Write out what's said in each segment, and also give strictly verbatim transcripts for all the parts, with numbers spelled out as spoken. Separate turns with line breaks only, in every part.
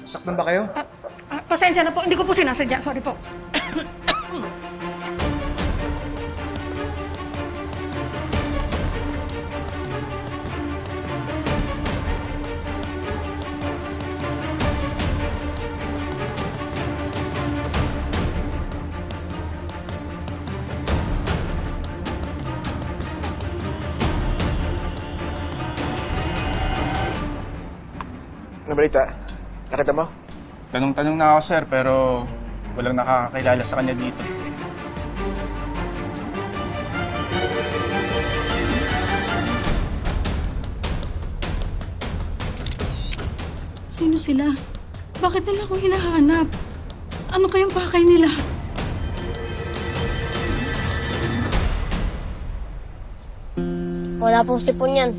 Saktan ba kayo?
Ah, ah, pasensya na po, hindi ko po sinasadya. Sorry po.
Ano balita? Nakita mo?
Tanong-tanong na ako, sir, pero walang nakakakilala sa kanya dito.
Sino sila? Bakit nila ako hinahanap? Ano kayang pakay nila?
Wala pong sipon yan.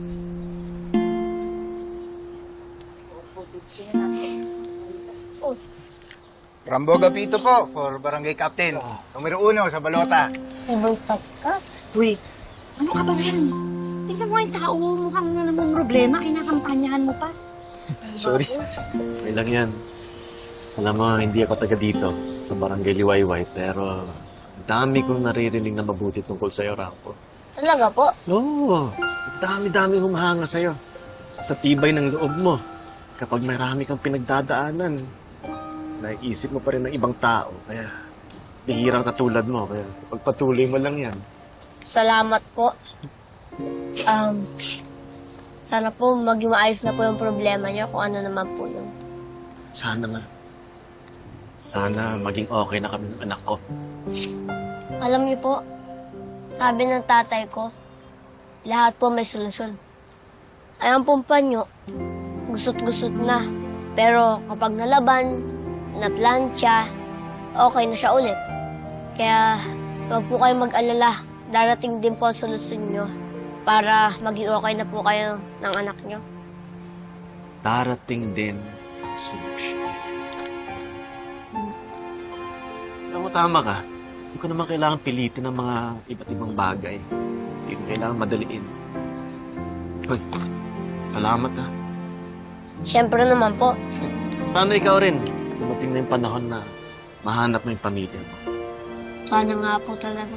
Rambo Gapito po, for Barangay Captain. Numero uno sa balota.
Ibang tagka.
Uy, ano ka ba rin? Tingnan mo yung tao, mukhang na namang problema, kinakampanyahan mo pa.
Sorry.
May lang yan. Alam mo, hindi ako taga dito, sa Barangay Liwayway, pero dami kong naririnig na mabuti tungkol sa'yo, Rambo.
Talaga po?
Oo, dami-dami humahanga sa'yo. Sa tibay ng loob mo, kapag marami kang pinagdadaanan, naiisip mo pa rin ng ibang tao, kaya bihirang katulad mo, kaya pagpatuloy mo lang yan.
Salamat po. Um, sana po maging maayos na po yung problema niyo kung ano naman po yun.
Sana nga. Sana maging okay na kami ng anak ko.
Alam niyo po, sabi ng tatay ko, lahat po may solusyon. Ayan pong panyo, gusot-gusot na. Pero kapag nalaban, na plancha, okay na siya ulit. Kaya huwag po kayo mag-alala. Darating din po ang solusyon nyo para maging okay na po kayo ng anak nyo.
Darating din ang solusyon. Alam mo, tama ka. Hindi ko naman kailangan pilitin ng mga iba't ibang bagay. Hindi ko kailangan madaliin. Hoy, salamat ha.
Siyempre naman po.
Sana ikaw rin. Dumating na yung panahon na mahanap mo yung pamilya mo.
Sana nga po talaga.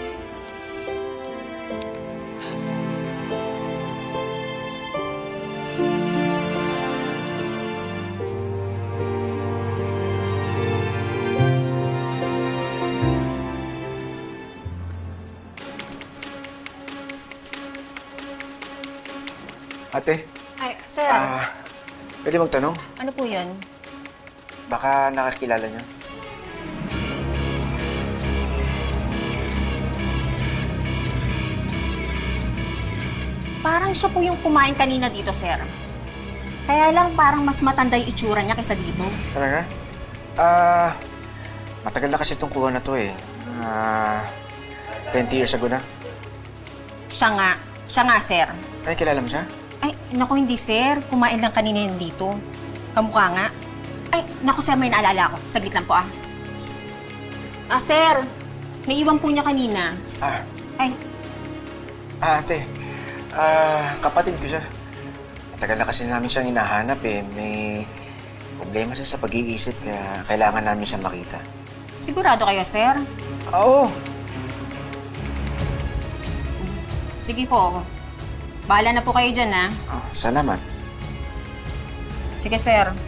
Ate,
Ay, sir,
ah, pwede magtanong?
ano po yun?
Baka nakakilala niyo?
Parang siya po yung kumain kanina dito, sir. Kaya lang parang mas matanda yung itsura niya kaysa dito.
Talaga? Ah, matagal na kasi itong kuha na to eh. Ah, twenty years ago na.
Siya nga. Siya nga, sir.
Ay, kilala mo siya?
Ay, naku, hindi, sir. Kumain lang kanina yun dito. Kamukha nga. Ay, naku, sir, may naalala ako. Saglit lang po, ah. Ah, sir. Naiwan po niya kanina.
Ah,
Ay,
ah, ate. Ah, kapatid ko siya. Matagal na kasi namin siyang hinahanap eh. May problema siya sa pag-iisip kaya kailangan namin siyang makita.
sigurado kayo, sir?
Oo.
Sige po. Bahala na po kayo dyan, ah.
Ah, salamat.
Sige, sir.